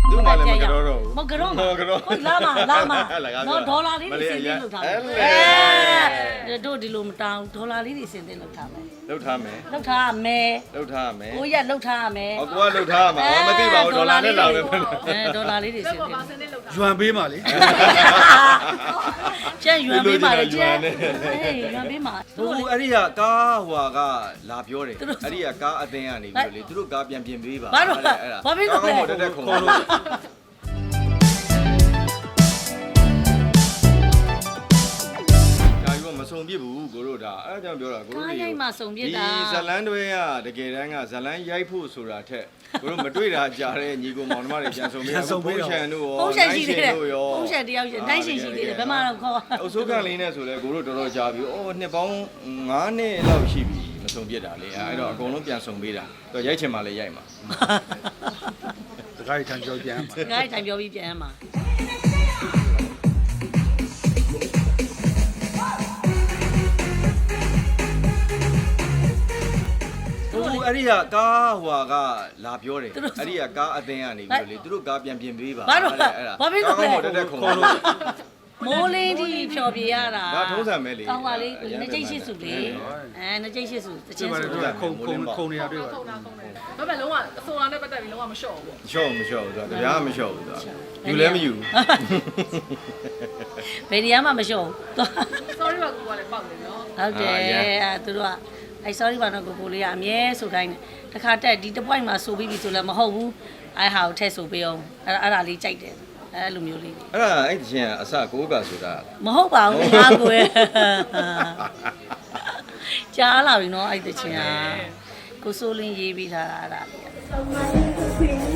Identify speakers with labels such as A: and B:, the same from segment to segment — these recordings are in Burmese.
A: သူ့မှာလည်းမကတော့တော့ဘူး
B: မကတော့
A: မကတော့
B: ဟုတ်လာမနော်ဒေါ်လာလေးတွေစင်တင်လုပ်ထားမယ်တို့ဒီလိုမတောင်းဒေါ်လာလေးတွေစင်တင်လုပ်ထားမယ်
A: လောက်ထားမယ်
B: လုပ်ထားမယ်
A: လောက်ထားမယ်
B: ကိုရလုပ်ထားမယ်
A: ဟောကိုကလောက်ထားမှာမသိပါဘူးဒေါ်လာနဲ့လာမယ်
B: ဒေါ်လာလေးတွေစင်တင်
C: ရွံပေးပါလေ
B: ကျန်ရွံပေးပါလေကျန်ရွံပေးပါ
A: ဟိုအဲ့ဒီကကားဟိုကလာပြောတယ်အဲ့ဒီကကားအသင်းကနေပြီးလေသူတို့ကားပြန်ပြင်ပေးပါ
B: ဘာလို့ဘာဖြစ်လို့လဲ
A: တက်တက်ခုံလို့မစုံပြစ်ဘူးကိုတို့ဒါအဲ့ဒါကြောင့်ပြောတာကိုတို့
B: ကားရိုက်မှစုံပြစ်တာ
A: ဒီဇလန်းတွဲကတကယ်တမ်းကဇလန်းရိုက်ဖို့ဆိုတာထက်ကိုတို့မတွေ့တာကြားတဲ့ညီကိုမောင်နှမတွေပြန်စုံပြီးဖုန်းချန်တို့ရော
B: ဖုန်းချန်ရှိသေးတယ်
A: တို့ရော
B: ဖုန်းချန်တယောက်ရှိတိုင်းရှင်ရှိသေးတယ်ဘယ်မှာတော့ခေါ်
A: အုပ်စိုးကန်လေးနဲ့ဆိုလဲကိုတို့တော်တော်ကြာပြီ။အော်နှစ်ပေါင်း9နှစ်လောက်ရှိပြီမစုံပြစ်တာလေ။အဲ့တော့အကုန်လုံးပြန်စုံပေးတာ။တော့ရိုက်ချင်မှလည်းရိုက်မှာ
C: တခါထန်ကြောပြန်ပါ
B: ကားတိုင်းပြောပြီးပြန်မှာ
A: ။ဟိုအဲ့ဒီကကားဟိုကလာပြောတယ်။အဲ့ဒီကကားအသင်းကနေပြီးလေသူတို့ကားပြန်ပြင်ပေးပါ
B: ဘာလို့ဘာဖြစ်လို့လဲ
A: တက်တက်ခုံလို့
B: မိုးလင်းကြီးဖြော်ပြရတာ
A: ဒါထုံးစံပဲလေ
B: ကောင်းပါလေနှစ်ကျိတ်ရှိစုလေနှစ်ကျိတ်ရှိစုတချင်းစု
C: ခုံနေရတွေ့ပါ
D: ဒါပေမဲ့လုံးဝအစိုးရနဲ့ပတ်သက်ပြီးလုံးဝမလျှော့ဘူးပေါ့
A: မလျှော့ဘူးဆိုတာတရားမလျှော့ဘူးဆိုတာယူလဲမယူ
B: ဘယ်နေရာမှမလျှော့ဘူး
D: sorry ပါကူကလည်းပေါက်နေနော်
B: ဟုတ်တယ်သူတို့ကအဲ sorry ပါတော့ကိုလေးကအမြဲဆိုတိုင်းတယ်တခါတက်ဒီတစ်ပွိုင်းမှာဆိုပြီးပြီဆိုလည်းမဟုတ်ဘူးအဲဟာကိုထည့်ဆိုပေးအောင်အဲ့ဒါလေးကြိုက်တယ်အဲလိုမျိုးလေး
A: အဲ့ဒါအဲ့ဒီချင်းကအစကိုးကဆိုတာ
B: မဟုတ်ပါဘူးငါကိုယ်ကြားလာပြီနော်အဲ့တချင်ကကိုစိုးလင်းရေးပြီးထားတာအဲ့ဒါလေး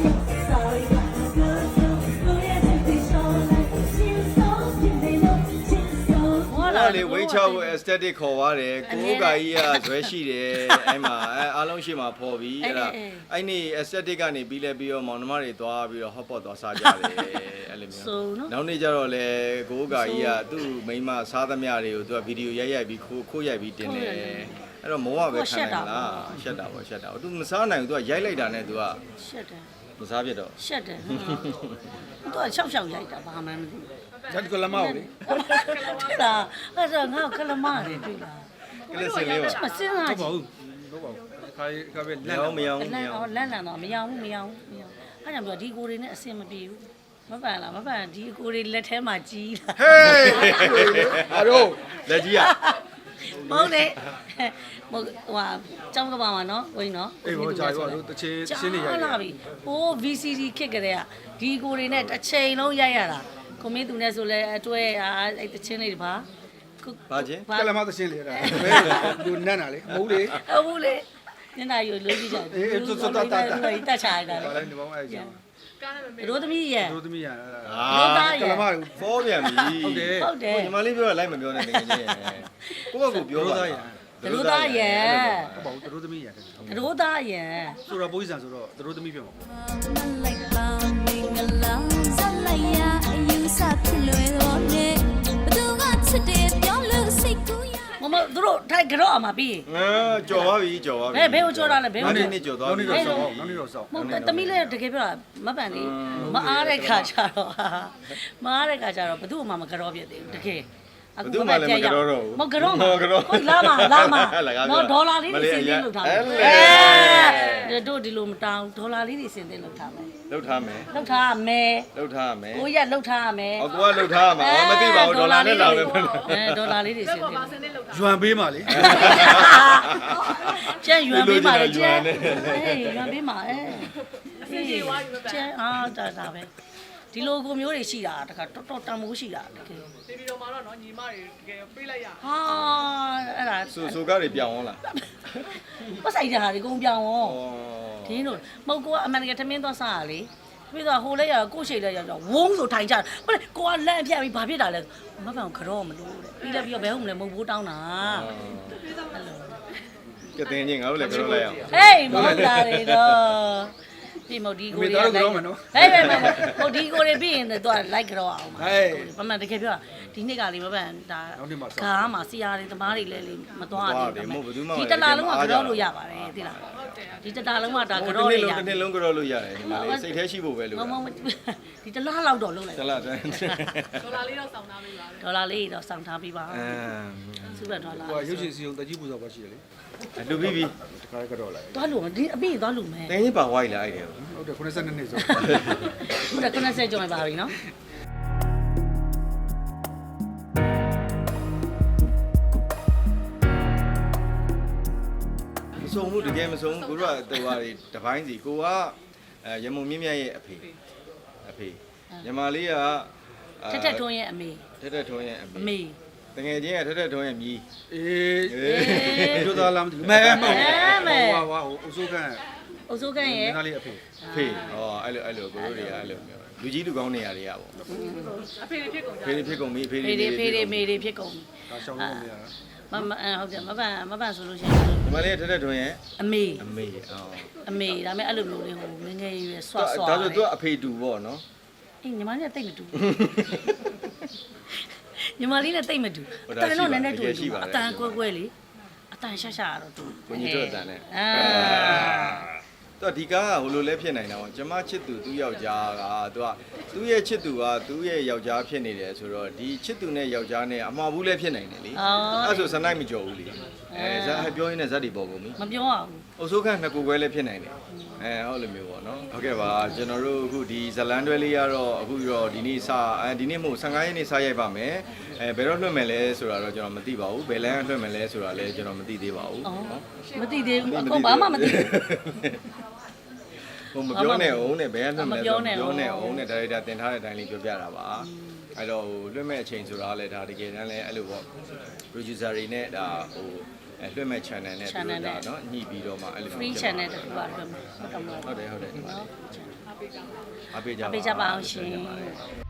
A: အဲ့လေဝိတ်ချဖို့ aesthetic ခေါ်သွားတယ်ကိုးကာကြီးကဇွဲရှိတယ်အဲ့မှာအားလုံးရှိမှာဖော်ပြီးအဲ့ဒါအဲ့นี่ aesthetic ကနေပြီးလဲပြီးတော့မောင်နှမတွေသွားပြီးတော့ hot pot သွားစားကြတယ်အဲ့လိုမျိုးနောက်နေ့ကျတော့လေကိုးကာကြီးကသူ့မိန်းမစားသမျှတွေကိုသူကဗီဒီယိုရိုက်ပြီးခိုးရိုက်ပြီးတင်တယ်အဲ့တော့မောကပဲခံနိုင်လားရှက်တာပေါ့ရှက်တာသူမစားနိုင်ဘူးသူကရိုက်လိုက်တာနဲ့သူက
B: ရှက်တယ်
A: မစားပြတော့
B: ရှက်တယ်သူက6ရိုက်တာဘာမှမသိဘူး
C: ဇတ်ကလမောက်လေ
B: တွေ့လားအဲ့ဒါငါကလမတွေတွေ့လား
A: ကလစ်စင်လေးပါ
B: မစင်းလာကြည့်
C: ဟုတ်ပါဘူးခါပဲ
A: လမ်းမရော
B: လန့်တော့လန့်တော့မရဘူးအဲ့ကြောင့်ပြောဒီကိုတွေနဲ့အဆင်မပြေဘူးမပန်လားမပန်ဒီကိုတွေလက်ထဲမှာကြီးလာ
C: ဟေးအားတို့
A: လက်ကြီးอ่ะ
B: ဟုတ်တယ်ဟိုကျောင်းကပါမှာနော်ဝင်းနော်
C: အေးဘောကြာရောတို့တချင်းရှင်းနေရိုက်
B: လာပြီဟို VCD ခစ်ကြတဲ့ကဒီကိုတွေနဲ့တစ်ချိန်လုံးရိုက်ရတာကိုမင်းသူနဲ့ဆိုလဲအတွဲအဲ့တချင်းလေးတွေပါ
A: ဘာချင်း
C: ကလမောက်တချင်းလေအဲ့ဒါဘယ်လူနန်းတာလေမဟုတ်လေ
B: ဟုတ်ဘူးလေညနေရိုးလို့ကြည့်ကြတယ်တက်ချာရတာ
C: ဘာလဲဒီဘောင်းအဲ့ကျ
D: ကားနဲ့မမေ့
B: ရိုးသမီးရဲ့
C: တို့သမီးရအဲ့ဒါ
B: ကလမ
A: ဖောပြန်ပြီ
C: ဟုတ်တယ်
B: ဟုတ်တယ်
A: ညီမလေးပြောလိုက်မပြောနဲ့တကယ်ချင်းကိုယ့်ဘက်ကိုပြောပါ
B: ရိုးသားရဲ့
C: ဟုတ်ပါဘူးတို့သမီးရတယ်
B: ရိုးသားရဲ့
C: ဆိုတော့ပိုးစံဆိုတော့တို့သမီးပြောမှာ
E: like bound ming along ဇလိုက်ရအယူဆဖြစ်လွယ်တော့နဲ့ဘသူကချစ်တယ်ပြောလို့စိတ်ကူးရ
B: မသူတို့ထိုက်ကြော့အမှာပြီး
A: ကြော်သွားပြီကြော်သွားပြီ
B: ဘယ်ကိုကြော့တာလဲဘယ်ကို
A: နေ့ကြော်သွားပြီ
C: နောက်နေ့တော့စောက်
B: မဟုတ်သမီးလည်းတကယ်ပြောတာမပန်လေမအားတဲ့ခါကျတော့မအားတဲ့ခါကျတော့ဘသူ့မှမကြော့ပြသေးဘူးတကယ်မကြော့မကြော့ဟုတ်လာမနော်ဒေါ်လာလေးတွေစင်တင်လုပ်ထားမယ်တို့ဒီလိုမတောင်းဒေါ်လာလေးတွေစင်တင်လုပ်ထားမယ်
A: လောက်ထားမယ်
B: လုပ်ထားမယ်
A: လောက်ထားမယ်
B: ကိုရလုပ်ထားမယ်
A: ဟောကိုကလောက်ထားမှာမသိပါဘူးဒေါ်လာနဲ့လာမယ်
B: ဒေါ်လာလေးတွေစင်တင်
D: ပါစနစ်လောက်တာ
C: ရွံပေးပါလေ
B: ကျန်ရွံပေးပါလေကျန်ရွံပေးပါကျန်ဒါပဲဒီလိုကိုမျိုးတွေရှိတာတခါတော်တော်တန်မိုးရှိတာတကယ်
D: နေပြီးတော့မှတော့နော်ညီမတွေတကယ်ပြေးလိုက်ရ
B: ဟာအဲ့ဒါ
A: ဆိုကားတွေပြောင်းအောင်လား
B: ပတ်ဆိုင်ကြတာဒီကုန်ပြောင်းရောဒင်းတို့မဟုတ်ကိုကအမှန်တကယ်ထမင်းသွားစားရလေပြီးတော့ဟိုလဲရကိုရှိလဲရတော့ဝုန်းဆိုထိုင်ကြဟုတ်လေကိုကလန့်ပြတ်ပြီးဘာဖြစ်တာလဲမပန်ကြော့မလို့တဲ့ပြီးလဲပြီးတော့ဘဲဟုတ်မလဲမဟုတ်ဘူးတောင်းတာ
A: ကတဲ့ချင်းငါတို့လည်းပြောလိုက်အောင်
B: ဟေးမဟုတ်တာလေတော့ပြင်မဒီကိုတွေဟဲ့ဟဲ့ဟိုဒီကိုတွေပြီးရင်တော့လိုက်ကြောအောင်ပါမမတကယ်ပြောဒီနှစ်ကလေးမပန်ဒါကားမှာစီယာတွေသမားတွေလည်းလေမသွားသေးဘူးဒီတလားလုံးကကြောလို့ရပါတယ်သိလားဒီတလားလုံးကဒါကြောလို့ရ
A: တစ်နှစ်လုံးကြောလို့ရတယ်ဒီမှာလေစိတ်แท้ရှိဖို့ပဲလို့
B: ဒီတလားလောက်တော့လုံးလိုက်
A: တလားတန်း
D: ဒေါ်လာလေးတော့စောင်းထားပေးပါ
B: ဒေါ်လာလေးတော့စောင့်ထားပြီးပါစုရဒေါ်လာ
C: ဟိုရုပ်ရှင်စီုံတကြီးပူဇော်ပါရှိတယ်လေ
A: လူပြီးပြီ
C: တခါကတော့လိုက်
B: သွားလို့ဒီအပြည့်သွားလို့မယ်
A: တင်းကြီးပါဝိုင်းလာအဲ့တယ်
C: ဟုတ်တယ်92နှစ်ဆို
B: ခုနက90ကျော်နေပါပြီနော်
A: မစုံဘူးတကယ်မစုံဘူးကိုတို့ကတော်ပါတွေတပိုင်းစီကိုကရမုံမြင့်မြတ်ရဲ့အဖေညီမလေးက
B: ထက်ထက်ထွန်းရဲ့အမေ
A: ထက်ထက်ထွန်းရဲ့အ
B: အမေ
A: တကယ်ချင်းကထက်ထက်ထွန်းရဲ့မြီး
C: အေးတို့သားလားမသိဘူးမဲမဟုတ်ဟိုအစိုးကန်
B: အုပ်စိုးခန့်ရဲ့
C: နားလေးအဖေ
A: ဖေဟောအဲ့လိုကိုတို့တွေကအဲ့လိုမျိုးလူကြီးလူကောင်းနေရတွေကပေါ့
D: အဖေတွေဖြစ်ကုန်ကြ
A: ဖေတွေဖြစ်ကုန်ပြီဖေ
B: ဖေတွေဖေတွေမေတွေဖြစ်ကုန်
C: ဒါရှောင်းလို့မရတာ
B: မဟုတ်တယ်မပန်ဆိုလို့ရှိရင်
A: ညီမလေးထက်ထက်ထွန်းရဲ့
B: အမေ
A: အမေအော်
B: အမေဒါပေမဲ့အဲ့လိုမျိုးလေးဟိုငငယ်ရွယ်ဆွဆွ
A: ဒါဆိုသူကအဖေတူပေါ့နော်
B: အေးညီမလေးနဲ့တိတ်မတူညီမလေးနဲ့တိတ်မတူအတန်တော့နည်းနည်းတူအတန်ကွဲကွဲလေးအတန်ရှာရှာတော့တူ
A: ကိုကြီးတို့အတန်နဲ့တော့ဒီကားကဟိုလိုလဲဖြစ်နေတာပေါ့ကျမချစ်သူသူ့ယောက်ျားကသူ့ရဲ့ချစ်သူကသူ့ရဲ့ယောက်ျားဖြစ်နေတယ်ဆိုတော့ဒီချစ်သူနဲ့ယောက်ျားနဲ့အမှားဘူးလဲဖြစ်နိုင်တယ်လေအဲ့ဆိုစနိုက်မကြော်ဘူးလေဇက်ပြောရင်းနဲ့ဇက်တွေပေါ်ကုန်ပြီ
B: မပြောအောင်
A: အုပ်စိုးခန့်နှစ်ခုခွဲလည်းဖြစ်နိုင်တယ်ဟုတ်လိုမျိုးပေါ့နော်ဟုတ်ကဲ့ပါကျွန်တော်တို့အခုဒီဇလန်တွဲလေးကတော့အခုတော့ဒီနေ့ဒီနေ့မို့15ရက်နေ့စရိုက်ပါမယ်ဘယ်တော့လွှင့်မယ်လဲဆိုတာတော့ကျွန်တော်မသိပါဘူးဘယ်လမ်းလွှင့်မယ်လဲဆိုတာလည်းကျွန်တော်မသိသေးပါဘူးနော်
B: မသိသေးဘူးအခုဘာမှမသိဘူး
A: ဟိုမပြောနဲ့အောင်နဲ့ဘယ်ကလွှင့်မလဲဆိုပြောနဲ့အောင်နဲ့ဒါရိုက်တာတင်ထားတဲ့အတိုင်းလေးပြောပြတာပါအဲ့တော့လွှင့်မဲ့အချိန်ဆိုတာလည်းဒါတကယ်တမ်းလည်းအဲ့လိုပေါ့ producer တွေနဲ့ဒါဟိုလွှင့်မဲ့ channel နဲ့တူတာเนาะညှိပြီးတော့မှအဲ့လို
B: free channel တူပါတော့
A: ဟုတ်တယ်ဟုတ်တယ်
B: နော်
A: အားပေးကြပါ
B: ပေးကြပါအောင်ရှင်